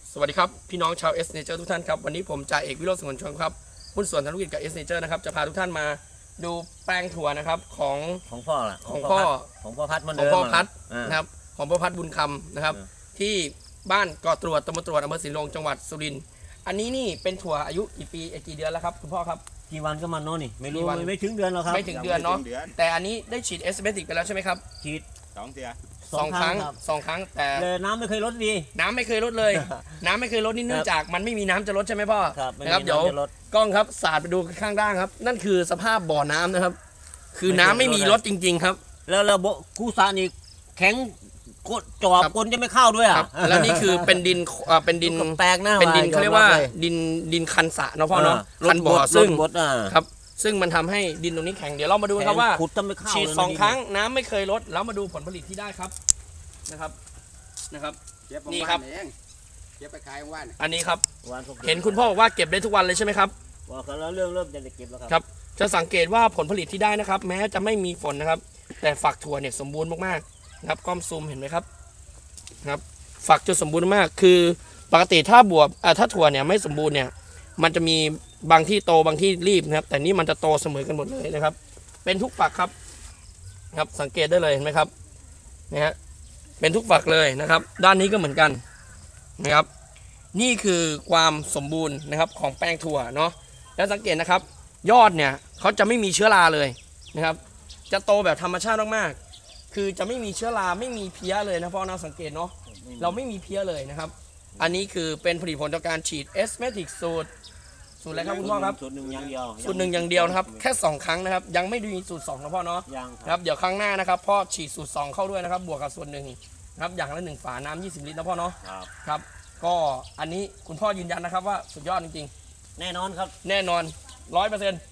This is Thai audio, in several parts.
สวัสดีครับพี่น้องชาว S Nature ทุกท่านครับวันนี้ผมจ่าเอกวิโรจน์สงวนชนครับหุ้นส่วนธุรกิจกับ S Nature นะครับจะพาทุกท่านมาดูแปลงถั่วนะครับของพ่อล่ะของพ่อพัดมันของพ่อพัดนะครับของพ่อพัดบุญคำนะครับที่บ้านเกาะตรวจตำบลตรวจอำเภอศรีลงจังหวัดสุรินทร์อันนี้นี่เป็นถั่วอายุกี่ปีกี่เดือนแล้วครับคุณพ่อครับกี่วันก็มันเนาะนี่ไม่รู้ไม่ถึงเดือนหรอกครับไม่ถึงเดือนเนาะแต่อันนี้ได้ฉีดเอสเบติกไปแล้วใช่ไหมครับฉีดสองครั้งแต่น้ำไม่เคยลดดีน้ำไม่เคยลดเลย น้ำไม่เคยลดนี่เนื่องจากมันไม่มีน้ำจะลดใช่ไหมพ่อนะครับเดี๋ยวกล้องครับสาดไปดูข้างล่างครับนั่นคือสภาพบ่อน้ำนะครับคือน้ำไม่มีลดจริงๆครับแล้วกูซานี่แข็งจอบก้นจะไม่เข้าด้วยอ่ะแล้วนี่คือเป็นดินแปลกนะเป็นดินเขาเรียกว่าดินคันสะเนาะพ่อเนาะคันบ่อซึ่งครับซึ่งมันทำให้ดินตรงนี้แข็งเดี๋ยวเรามาดูครับว่าฉีด2 ครั้งน้ำไม่เคยลดแล้วมาดูผลผลิตที่ได้ครับนะครับนี่ครับเก็บไปขายวันอันนี้ครับเห็นคุณพ่อบอกว่าเก็บได้ทุกวันเลยใช่ไหมครับว่าแล้วเริ่มจะเก็บแล้วครับจะสังเกตว่าผลผลิตที่ได้นะครับแม้จะไม่มีฝนนะครับแต่ฝักถั่วเนี่ยสมบูรณ์มากๆนะครับก้อมซูมเห็นไหมครับฝักจะสมบูรณ์มากคือปกติถ้าถ้าถั่วเนี่ยไม่สมบูรณ์เนี่ยมันจะมีบางที่โตบางที่รีบนะครับแต่นี่มันจะโตเสมอกันหมดเลยนะครับเป็นทุกฝักครับสังเกตได้เลยเห็นไหมครับนะฮะเป็นทุกฝักเลยนะครับด้านนี้ก็เหมือนกันนะครับนี่คือความสมบูรณ์นะครับของแป้งถั่วเนาะแล้วสังเกตนะครับยอดเนี่ยเขาจะไม่มีเชื้อราเลยนะครับจะโตแบบธรรมชาติมากๆคือจะไม่มีเชื้อราไม่มีเพี้ยเลยนะพ่อนะสังเกตเนาะเราไม่มีเพี้ยเลยนะครับอันนี้คือเป็นผลิตผลจากการฉีดเอสเมติกสูตรอะไรครับคุณพ่อครับสูตรหนึ่งอย่างเดียวนะครับแค่2 ครั้งนะครับยังไม่มีสูตร2นะพ่อเนาะครับเดี๋ยวครั้งหน้านะครับพ่อฉีดสูตร2เข้าด้วยนะครับบวกกับส่วนหนึ่งครับอย่างละ1 ฝาน้ำ20 ลิตรนะพ่อเนาะครับก็อันนี้คุณพ่อยืนยันนะครับว่าสุดยอดจริงๆแน่นอนครับแน่นอน 100%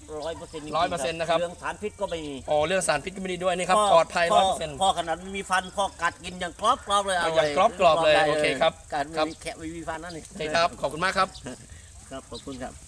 100% นะครับเรื่องสารพิษก็ไม่มีเรื่องสารพิษก็ไม่ดีด้วยนี่ครับปลอดภัย 100% พ่อขนาดไม่มีฟันพ่อกัดกินอย่างกรอบเลยอย่างกรอบเลยโอเคครับการไม่มีฟันนั่นเองครับขอบคุณมากครับครับขอบคุณครับ